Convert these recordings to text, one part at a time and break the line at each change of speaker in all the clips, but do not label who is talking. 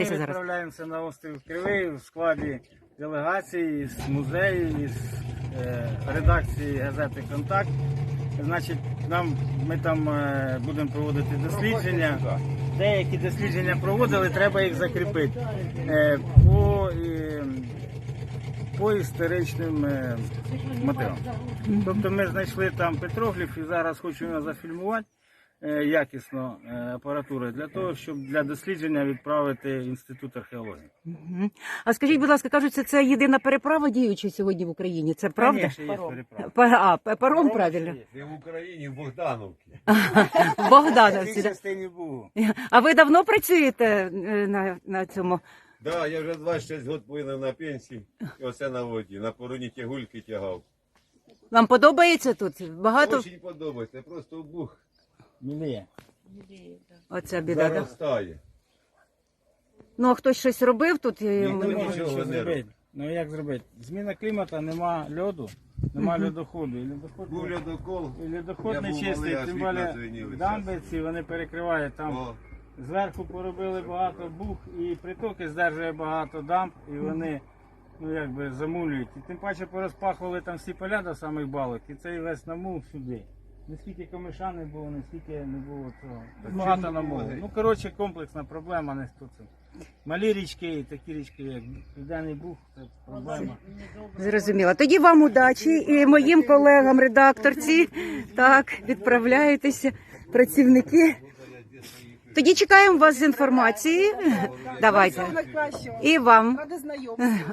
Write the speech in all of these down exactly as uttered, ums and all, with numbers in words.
Ми
зараз.
відправляємося на острів Кривий в складі делегації з музею, з е, редакції газети «Контакт». Значить, нам, ми там е, будемо проводити дослідження. Деякі дослідження проводили, треба їх закріпити е, по, е, по історичним е, мотивам. Тобто ми знайшли там петрогліф і зараз хочемо зафільмувати е, якісно е, апаратуру для того, щоб для дослідження відправити в Інститут археології.
Мгм. А скажіть, будь ласка, кажуть, це, це єдина переправа діюча сьогодні в Україні. Це правда?
Конечно, є переправа.
Па- А, п- паром, правильно?
Є.
Не в Україні, в Богдановці.
В
В
Богдановці.
цій
да?
частині був.
А ви давно працюєте е, на, на цьому?
Да, я вже двадцять шість років повинен на пенсії. І оце на воді. На пороні тягульки тягав.
Вам подобається тут? Багато?
Дуже подобається, просто бух
Міліє.
Оця біда, так?
заростає.
Ну, а хтось щось робив тут?
Ніхто
Не
нічого
можна
не
нічого
робить.
зробити. Ну як зробити? Зміна клімату, нема льоду, нема льодоходу. І льодоход,
Був льодокол.
і льодоход
Я
не
був
чистий,
малий, аж
тим
вікна
більше
звеніли
дамби ці, вони перекривають там.
О,
Зверху поробили багато бух і притоки здержує багато дамб, і вони ну якби замулюють. І тим паче порозпахували там всі поля до самих балок, і цей весь намул сюди. Наскільки комиша не було, наскільки не було цього. Багато намулу. Ну коротше комплексна проблема, не хто це. Малі річки і такі річки, як Південний Буг, це проблема.
Зрозуміло. Тоді вам удачі і моїм колегам, редакторці. Так, відправляєтеся, працівники. Тоді чекаємо вас з інформації. Давайте.
Найкращого.
І вам.
Ради знайомству.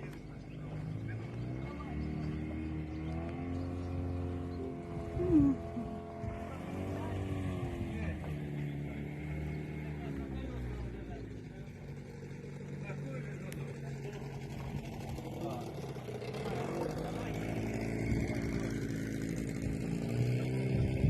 М.